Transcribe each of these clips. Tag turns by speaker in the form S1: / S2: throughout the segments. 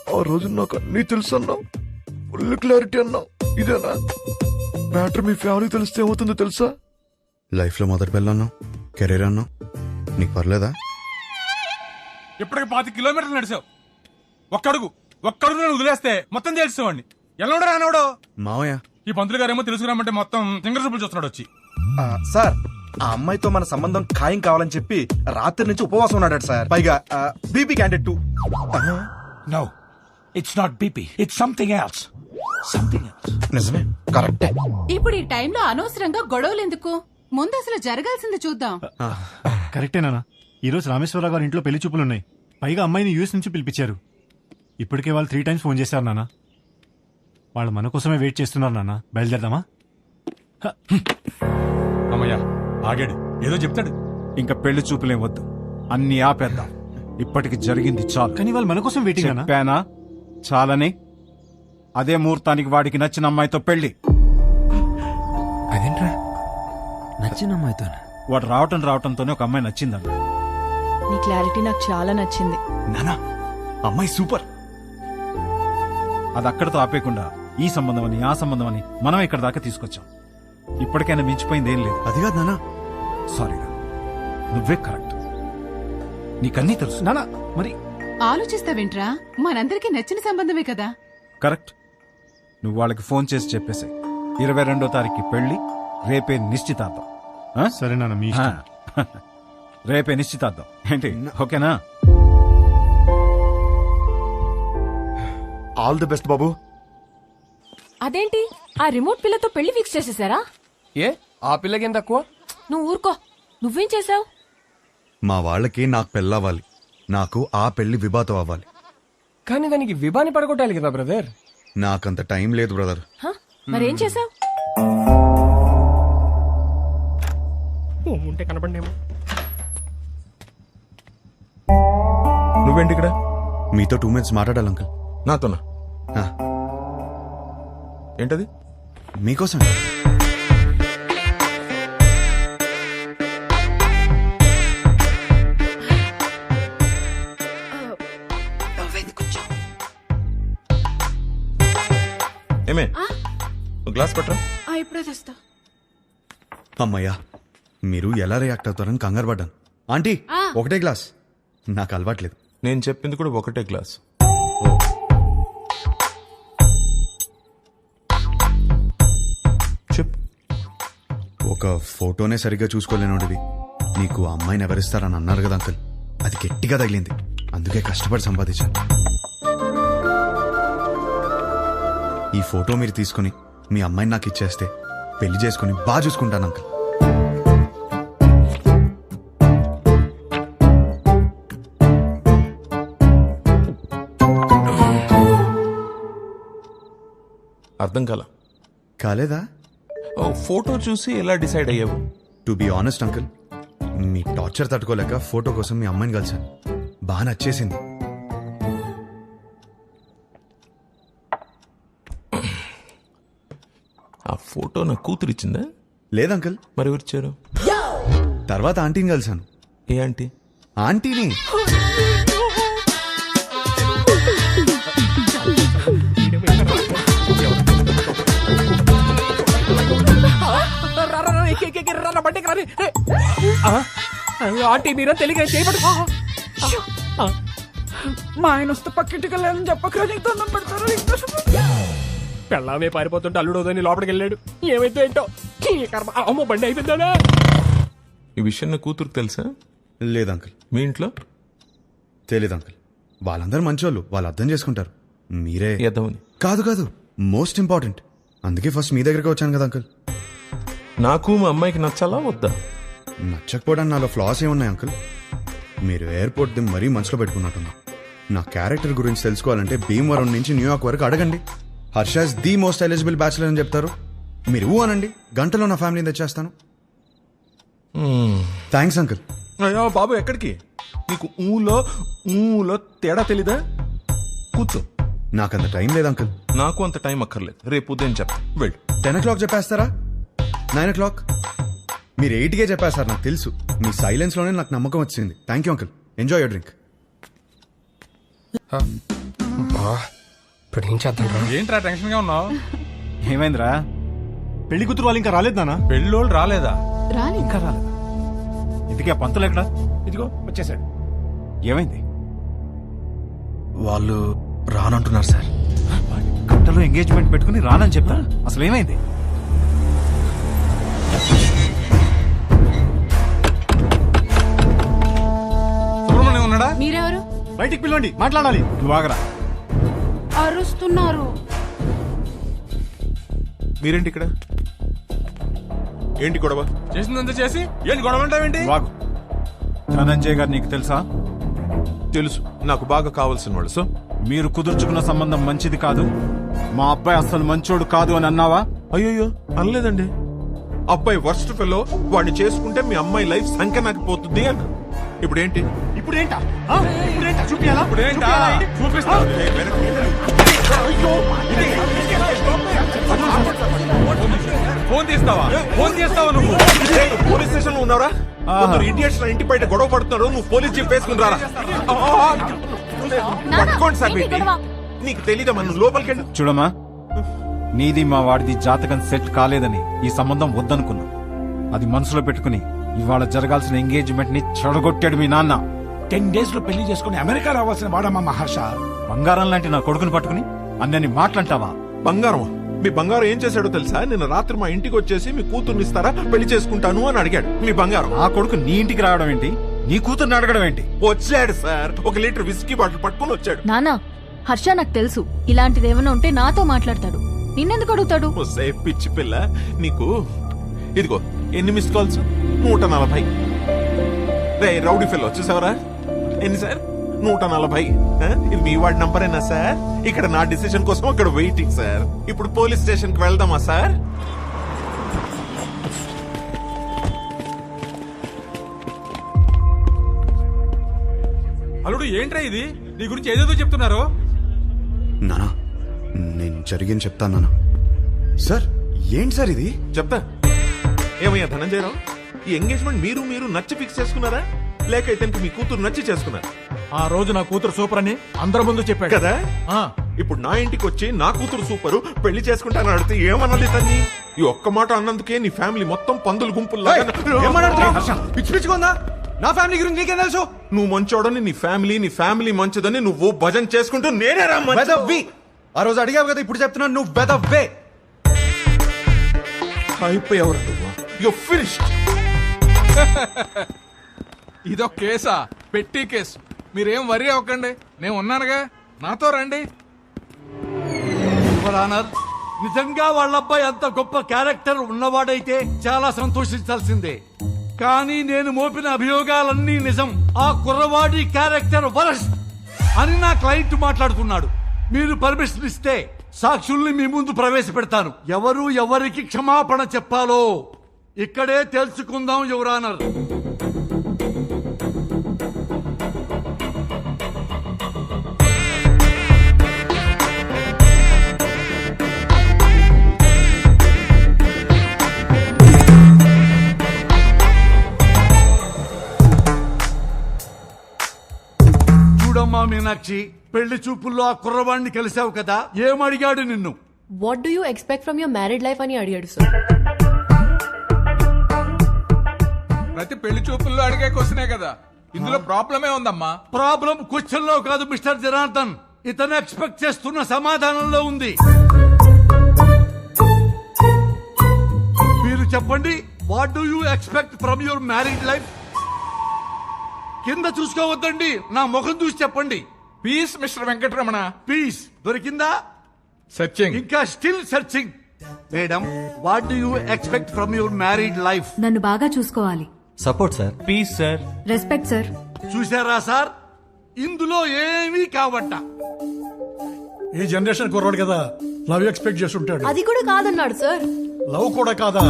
S1: ఆ రోజు నాకు అన్నీ తెలుసు అన్నావు, ఫుల్ క్లారిటీ అన్నావు. ఇదేనా మ్యాటర్? మీ ఫ్యామిలీ తెలిస్తే ఏమవుతుందో తెలుసా? లైఫ్లో మొదటి పిల్ల అన్నావు, కెరీర్ అన్నావు, నీకు పర్లేదా?
S2: ఇప్పటికి 5 కిలోమీటర్లు నడిచావు. ఒక్కడుగు నేను వదిలేస్తే మొత్తం తెలిసేవాడిని. ఎలా రానవడో
S1: మావయ్య.
S2: ఈ పంతులు గారేమో తెలుసుకురామంటే మొత్తం సింగర్ చూపులు చూస్తున్నాడు వచ్చి.
S3: సార్, ఆ అమ్మాయితో మన సంబంధం ఖాయం కావాలని చెప్పి రాత్రి నుంచి ఉపవాసం ఉన్నాడు సార్. పైగా BP candidate too.
S4: No, it's not BP. It's something else. Something else.
S3: నిజమే, కరెక్టే.
S5: ఇప్పుడు ఈ టైంలో అనవసరంగా గొడవలు ఎందుకు? ముందు అసలు జరగాల్సింది చూద్దాం.
S6: కరెక్టేనా? ఈ రోజు రామేశ్వరరావు గారి ఇంట్లో పెళ్లి చూపులున్నాయి. పైగా అమ్మాయిని యూఎస్ నుంచి పిలిపించారు. ఇప్పటికే వాళ్ళు 3 times ఫోన్ చేశారు నాన్న. వాళ్ళు మన కోసమే వెయిట్ చేస్తున్నారు నాన్న. బయలుదేరదామా?
S2: అమ్మయ్యా ఆగాడు, ఏదో చెప్తాడు.
S4: ఇంకా పెళ్లి చూపులేం వద్దు, అన్ని ఆపేద్దాం. ఇప్పటికి జరిగింది చాలు.
S6: కానీ వాళ్ళు మన కోసం వెయిటింగ్ అన్నా.
S4: చెప్పానా చాలని? అదే ముహూర్తానికి వాడికి నచ్చిన అమ్మాయితో పెళ్లి.
S7: అదేంట్రా నచ్చిన అమ్మాయితో?
S4: వాడు రావటంతోనే ఒక అమ్మాయి నచ్చిందన్న.
S5: నీ క్లారిటీ నాకు చాలా నచ్చింది.
S4: నానా, అమ్మాయి సూపర్. అది అక్కడితో ఆపేయకుండా ఈ సంబంధం అని ఆ సంబంధం అని మనం ఇక్కడ దాకా తీసుకొచ్చాం. ఇప్పటికైనా మించిపోయింది ఏం లేదు.
S1: అది కాదు నాన్న.
S4: సారీరా, నువ్వే కరెక్ట్. నీకన్నీ తెలుసు.
S6: నాన్న మరి
S5: ఆలోచిస్తావేంట్రా? మనందరికీ నచ్చిన సంబంధమే కదా.
S4: కరెక్ట్. నువ్వు వాళ్ళకి ఫోన్ చేసి చెప్పేసి 22వ తారీఖు పెళ్లి, రేపే నిశ్చితార్థం. ఆ?
S6: సరే నాన్న, మీ ఇష్టం.
S4: రేపే నిశ్చితార్థం ఏంటి? ఓకేనా?
S1: ఆల్ ది బెస్ట్ బాబు.
S8: అదేంటి ఆ రిమోట్ పిల్లతో పెళ్లి ఫిక్స్ చేసేసారా?
S7: ఏ ఆ పిల్లకేం తక్కువ?
S8: నువ్వు ఊరుకో. నువ్వేం చేసావు?
S1: మా వాళ్ళకి నాకు పెళ్ళవ్వాలి, నాకు ఆ పెళ్లి విభాతం అవ్వాలి.
S7: కానీ దానికి విభాని పడగొట్టాలి కదా బ్రదర్.
S1: నాకంత టైం లేదు బ్రదర్.
S8: మరేం చేసావు?
S7: ఉంటే కనపడేమో.
S3: నువ్వేంటి ఇక్కడ?
S1: మీతో 2 minutes మాట్లాడాలి అంకుల్.
S3: నాతోనా?
S1: ఆ,
S3: ఏంటది?
S1: మీకోసం.
S3: ఏమే, గ్లాస్ పట్టరా.
S5: ఇప్పుడే తెస్తా.
S1: అమ్మయ్యా, మీరు ఎలా రియాక్ట్ అవుతారని కంగారు పడ్డాను. ఆంటీ, ఒకటే గ్లాస్. నాకు అలవాట్లేదు.
S3: నేను చెప్పింది కూడా ఒకటే గ్లాస్. చెప్పు.
S1: ఒక ఫోటోనే సరిగ్గా చూసుకోలేనోడివి నీకు అమ్మాయిని ఎవరిస్తారని అన్నారు కదా అంకుల్. అది గట్టిగా తగిలింది, అందుకే కష్టపడి సంపాదించాను. ఈ ఫోటో మీరు తీసుకుని మీ అమ్మాయిని నాకు ఇచ్చేస్తే పెళ్లి చేసుకుని బాగా చూసుకుంటాను అంకుల్.
S3: అర్థం
S1: కాలేదా?
S3: ఫోటో చూసి ఎలా డిసైడ్ అయ్యావు?
S1: టు బి ఆనెస్ట్ అంకుల్, మీ టార్చర్ తట్టుకోలేక ఫోటో కోసం మీ అమ్మాయిని కలిశాను. బాగా నచ్చేసింది.
S3: ఆ ఫోటో నా కూతురు ఇచ్చిందా?
S1: లేదంకుల్.
S3: మరి ఎవరిచ్చారు?
S1: తర్వాత ఆంటీని కలిశాను.
S3: ఏ ఆంటీ?
S1: ఆంటీని.
S7: ఆంటీ మీరా తెలియక చేయబడు. మా ఆయన వస్తే పక్కింటికి వెళ్ళాలని చెప్పక నీకు దండం పెడతారు. పెళ్ళామే పారిపోతుంటే అల్లుడోదని లోపలికి వెళ్ళాడు. ఏమైతే ఏంటో అమ్మో బండి అయిపోయిందా.
S3: ఈ విషయం నా కూతురుకు తెలుసా?
S1: లేదంకుల్.
S3: మీ ఇంట్లో?
S1: తెలీదు అంకుల్. వాళ్ళందరూ మంచోళ్ళు, వాళ్ళు అర్థం చేసుకుంటారు. మీరే
S3: ఎదవని.
S1: కాదు కాదు, మోస్ట్ ఇంపార్టెంట్. అందుకే ఫస్ట్ మీ దగ్గరికి వచ్చాను కదా అంకుల్.
S3: నాకు మా అమ్మాయికి నచ్చాలా వద్దా?
S1: నచ్చకపోవడానికి నాలో ఫ్లాస్ ఏమున్నాయి అంకుల్? మీరు ఎయిర్పోర్ట్ ది మరీ మనసులో పెట్టుకున్నట్టున్నా. నా క్యారెక్టర్ గురించి తెలుసుకోవాలంటే భీమవరం నుంచి న్యూయార్క్ వరకు అడగండి. Harsha's the most eligible bachelor అని చెప్తారు. మీరు ఊ అనండి, గంటలో నా ఫ్యామిలీని తెచ్చేస్తాను. Thanks uncle.
S3: అయ్యో బాబు, ఎక్కడికి? నీకు ఊలో తేడా తెలీదా? కూర్చో.
S1: నాకంత టైం లేదు అంకుల్.
S3: నాకు అంత టైం అక్కర్లేదు. రేపు ఉదయం చెప్తా. వెళ్ళు.
S1: 10 o'clock చెప్పేస్తారా? 9 o'clock? మీరు 8కే చెప్పేస్తారు, నాకు తెలుసు. మీ సైలెన్స్ లోనే నాకు నమ్మకం వచ్చింది. Thank you uncle. Enjoy your drink.
S7: ఇప్పుడు ఏం చేద్దాం రా?
S2: ఏంట్రా టెన్షన్ గా ఉన్నావు?
S4: ఏమైందిరా?
S6: పెళ్లి కూతురు వాళ్ళు ఇంకా రాలేదు నాన్న.
S2: పెళ్ళోళ్ళు రాలేదా?
S5: రాని
S4: ఇంకా రాలేదా? ఇంతకీ ఆ పంతులు ఎక్కడా?
S7: ఇదిగో వచ్చేసాడు.
S4: ఏమైంది?
S3: వాళ్ళు రానంటున్నారు సార్.
S4: గంటలో ఎంగేజ్మెంట్ పెట్టుకుని రానని చెప్తా. అసలు ఏమైంది?
S2: సుబ్రహ్మణ్యం ఉన్నాడా?
S5: మీరెవరు?
S6: బయటికి పిలవండి, మాట్లాడాలి.
S4: నువ్వు ఆగరా.
S5: అరుస్తున్నారు.
S9: మీరేంటి ఇక్కడ? ఏంటి గొడవ?
S2: చేసిందంతా చేసి ఏంటి గొడవ అంటావేంటి?
S4: నువ్వు ఆగు. ధనంజయ్ గారు నీకు తెలుసా?
S9: తెలుసు, నాకు బాగా కావాల్సిన వాళ్ళు. సో
S4: మీరు కుదుర్చుకున్న సంబంధం మంచిది కాదు, మా అబ్బాయి అసలు మంచోడు కాదు అని అన్నావా?
S9: అయ్యో అనలేదండి. అబ్బాయి వర్స్ట్ ఫెలో, వాడిని చేసుకుంటే మీ అమ్మాయి లైఫ్ సంఖ్య నాకు పోతుంది అన్న. ఇప్పుడేంటి?
S6: ఇప్పుడేంటా? ఇప్పుడేంటా? చూపియాలా?
S2: ఇప్పుడేంటా? చూపిస్తా. ఫోన్ తీస్తావా? ఫోన్ చేస్తావా నువ్వు?
S9: పోలీస్ స్టేషన్ లో ఉన్నారా? కొందరు ఇడియట్స్ నా ఇంటి బయట గొడవ పడుతున్నారు, నువ్వు పోలీస్ జీప్ వేసుకుని రారా. పట్టుకోండి సార్ వీటిని. నీకు తెలీదా మనం లోపలికి వెళ్ళి.
S4: చూడమ్మా, నీది మా వాడిది జాతకం సెట్ కాలేదని ఈ సంబంధం వద్దనుకున్నా. అది మనసులో పెట్టుకుని ఇవాళ జరగాల్సిన ఎంగేజ్మెంట్ ని చెడగొట్టాడు మీ నాన్న.
S10: 10 days లో పెళ్లి చేసుకుని అమెరికా రావాల్సిన వాడమ్మా మహర్ష.
S4: బంగారం లాంటి నా కొడుకుని పట్టుకుని అన్నని మాట్లాంటావా?
S9: బంగారం? మీ బంగారం ఏం చేశాడో తెలుసా? నిన్న రాత్రి మా ఇంటికి వచ్చేసి మీ కూతుర్ని ఇస్తారా, పెళ్లి చేసుకుంటాను అని అడిగాడు. మీ బంగారం.
S4: ఆ కొడుకు నీ ఇంటికి రావడం ఏంటి? నీ కూతుర్ని అడగడం ఏంటి?
S9: వచ్చాడు సార్, 1 లీటర్ విస్కీ బాటిల్ పట్టుకుని వచ్చాడు.
S8: నానా, హర్ష నాకు తెలుసు ఇలాంటిది ఏమైనా ఉంటే నాతో మాట్లాడతాడు. నిన్నెందుకు అడుగుతాడు?
S9: ఒసే పిచ్చి పిల్ల, నీకు ఇదిగో ఎన్ని మిస్ కాల్స్? 140. రే రౌడీ ఫెల్ వచ్చేసావరా? ఎన్ని సార్? 140. ఇది మీ వాడి నంబరేనా సార్? ఇక్కడ నా డిసిషన్ కోసం అక్కడ వెయిటింగ్ సార్. ఇప్పుడు పోలీస్ స్టేషన్ కి వెళ్దామా సార్?
S2: అల్లుడు ఏంట్రా ఇది? నీ గురించి ఏదేదో చెప్తున్నారు.
S1: నానా, నేను జరిగింది చెప్తాను నానా. సార్ ఏంటి సార్ ఇది?
S9: చెప్తా. ఏమయ్యా ధనంజయరావు, ఈ ఎంగేజ్మెంట్ మీరు నచ్చి ఫిక్స్ చేసుకున్నారా, లేక ఇతనికి మీ కూతురు నచ్చి చేసుకున్నారా?
S10: ఆ రోజు నా కూతురు సూపర్ అని అందరి ముందు చెప్పాడు
S9: కదా. ఇప్పుడు నా ఇంటికి వచ్చి నా కూతురు సూపరు, పెళ్లి చేసుకుంటానని అడిగితే ఏమనాలి తన్ని? ఈ ఒక్క మాట అన్నందుకే నీ ఫ్యామిలీ మొత్తం పందులు గుంపుల్లా.
S3: పిచ్చి పిచ్చిగా నా ఫ్యామిలీ గురించి నీకేం తెలుసు?
S9: నువ్వు మంచోడని నీ ఫ్యామిలీ మంచిదని నువ్వు భజన చేసుకుంటూ నేనే రా
S3: వెదవ్వి. ఆ రోజు అడిగావు కదా, ఇప్పుడు చెప్తున్నాను నువ్వు వెదవ్వే.
S9: అయిపోయావు. You finished.
S2: ఇదొక కేసా? పెట్టి కేసు. మీరేం వరి అవ్వకండి, నేను ఉన్నానుగా, నాతో రండి.
S10: నిజంగా వాళ్ళ అబ్బాయి అంత గొప్ప క్యారెక్టర్ ఉన్నవాడైతే చాలా సంతోషించాల్సిందే. కానీ నేను మోపిన అభియోగాలన్నీ నిజం. ఆ కుర్రవాడి క్యారెక్టర్ వరస్ట్ అని నా క్లయింట్ మాట్లాడుతున్నాడు. మీరు పర్మిషన్ ఇస్తే సాక్షుల్ని మీ ముందు ప్రవేశపెడతాను. ఎవరు ఎవరికి క్షమాపణ చెప్పాలో ఇక్కడే తెలుసుకుందాం యువర్ ఆనర్. చూడమ్మా మీనాక్షి, పెళ్లి చూపుల్లో ఆ కుర్రవాడిని కలిసావు కదా, ఏమడిగాడు నిన్ను?
S8: What do you expect from your married life అని అడిగాడు సార్.
S2: ప్రతి పెళ్లి చూపుల్లో అడిగే క్వశ్చనే కదా, ఇందులో ప్రాబ్లమే ఉందమ్మా.
S10: ప్రాబ్లం క్వశ్చన్ లో కాదు మిస్టర్ జనార్దన్, ఇతను ఎక్స్పెక్ట్ చేస్తున్న సమాధానంలో ఉంది. మీరు చెప్పండి, what do you expect from your married life? కింద చూసుకోవద్దండి, నా ముఖం చూసి చెప్పండి.
S2: Peace mister Venkataramana.
S10: పీస్ దొరికిందా?
S2: సర్చింగ్.
S10: ఇంకా still searching. Madam, what do you expect from your married life?
S8: నన్ను బాగా చూసుకోవాలి.
S6: Support sir.
S4: Peace sir.
S8: Respect sir.
S10: చూసారా సార్, ఇందులో ఏమీ కావట్ట.
S11: ఈ జనరేషన్ కుర్రాడు కదా, లవ్ ఎక్స్పెక్ట్ చేస్తుంటాడు.
S8: అది కూడా కాదన్నాడు సార్.
S11: లవ్ కూడా కాదా?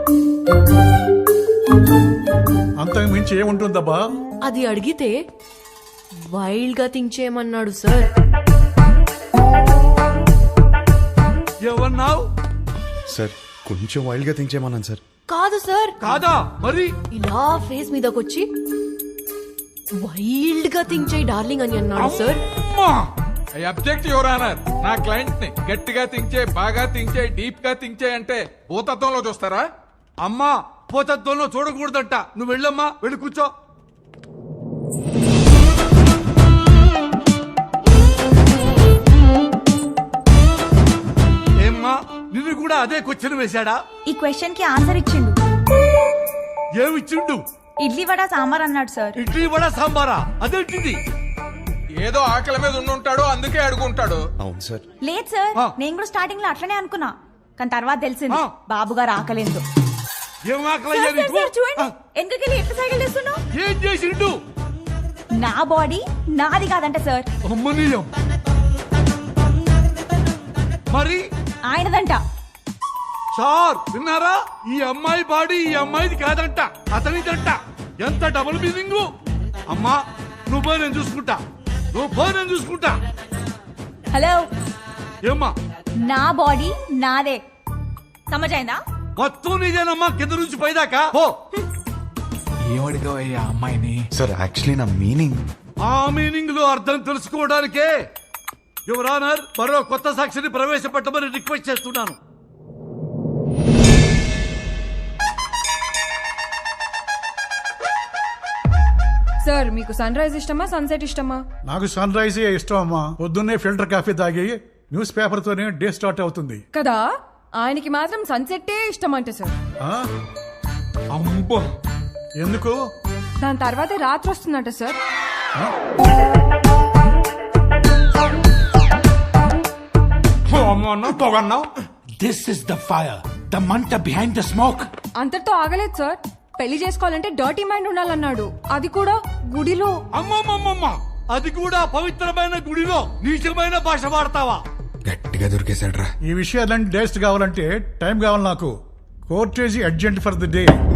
S11: అంతకు మించి ఏముంటుందబ్బా?
S8: అది అడిగితే వైల్డ్ గా థింక్ చేయమన్నాడు సార్.
S10: ఏమన్నావు?
S1: సార్ కొంచెం వైల్డ్ గా థింక్ చేయమన్నాను సార్.
S8: కాదు సార్.
S10: కాదా మరి?
S8: ఇలా ఫేస్ మీదకొచ్చి వైల్డ్ గా థింక్ చేయి డార్లింగ్ అని అన్నాడు సార్.
S10: అమ్మా!
S2: I object your honour. నా క్లయింట్ ని గట్టిగా థింక్ చేయి, బాగా థింక్ చేయి, డీప్ గా థింక్ చేయి అంటే భూతత్వంలో చూస్తారా?
S10: అమ్మా పోతత్వంలో చూడకూడదంట. నువ్వు వెళ్ళమ్మా, వెళ్ళి కూర్చో. ఏమ్మా నిన్ను కూడా అదే క్వశ్చన్ వేశాడా?
S12: ఈ క్వశ్చన్ కి ఆన్సర్ ఇచ్చిండు.
S10: ఏమిచ్చిండు?
S12: ఇడ్లీ వడ సాంబార్ అన్నాడు సార్.
S10: ఇడ్లీ వడ సాంబారా? అదేంటిది?
S2: ఏదో ఆకలి మీద ఉండుంటాడు, అందుకే అడుగుంటాడు.
S1: అవును సార్.
S12: లేదు సార్,
S10: ఆ.
S12: నేను కూడా స్టార్టింగ్ లో అట్లనే అనుకున్నా, కానీ తర్వాత తెలిసింది
S10: ఆ.
S12: బాబు గారు ఆకలేదు.
S10: ఏం ఆకలయ్యా నీకు?
S12: చూడండి
S10: ఆ,
S12: ఎందుకెళ్ళి ఎట్లా సైకిల్ చేస్తున్నావు?
S10: ఏం చేసిండు?
S12: నా బాడీ నాది కాదంట సార్,
S10: అమ్మనీయం. మరి
S12: ఆయనదంట.
S10: సార్ విన్నారా? ఈ అమ్మాయి బాడీ ఈ అమ్మాయిది కాదంట, అతనిదంట. ఎంత డబుల్ మీనింగ్. అమ్మా నువ్వు పోయి నేను చూసుకుంటా, నువ్వు పోయి నేను చూసుకుంటా.
S12: హలో,
S10: ఏమ్మా
S12: నా బాడీ నాదే, సమజైందా?
S10: మొత్తం నీదేనమ్మా, కింద నుంచి పైదాకా పో.
S9: ఏమడిగావయ్యా అమ్మాయిని?
S1: సార్ యాక్చువల్లీ నా మీనింగ్.
S10: ఆ మీనింగ్ లో అర్థం తెలుసుకోవడానికే యువర్ ఆనర్ మరో కొత్త సాక్షిని ప్రవేశపెట్టమని రిక్వెస్ట్ చేస్తున్నాను.
S5: సార్ మీకు సన్ రైజ్ ఇష్టమా సన్సెట్ ఇష్టమా?
S11: నాకు సన్ రైజ్ ఇష్టం అమ్మా. పొద్దున్నే ఫిల్టర్ కాఫీ తాగి న్యూస్ పేపర్ తోనే డే స్టార్ట్ అవుతుంది
S5: కదా, ఆయనకి మాత్రం సన్సెట్టే ఇష్టం అంట సార్.
S11: ఆ?
S2: అమ్మో,
S11: ఎందుకు?
S5: దాని తర్వాతే రాత్రి వస్తుందంట సార్.
S2: అమ్మో అన్నావు, పొగన్నావు.
S10: This is the fire, the మంట బిహైండ్ ద స్మోక్.
S5: అంతటితో ఆగలేదు సార్, పెళ్లి చేసుకోవాలంటే డర్టీ మైండ్ ఉండాలన్నాడు, అది కూడా గుడిలో.
S10: అమ్మమ్మమ్మమ్మ, అది కూడా పవిత్రమైన గుడిలో నీచమైన భాష వాడతావా?
S1: గట్టిగా దొరికేశాడు రా.
S11: ఈ విషయాలన్నీ డేస్ట్ కావాలంటే టైం కావాలి నాకు. Court is urgent for the day.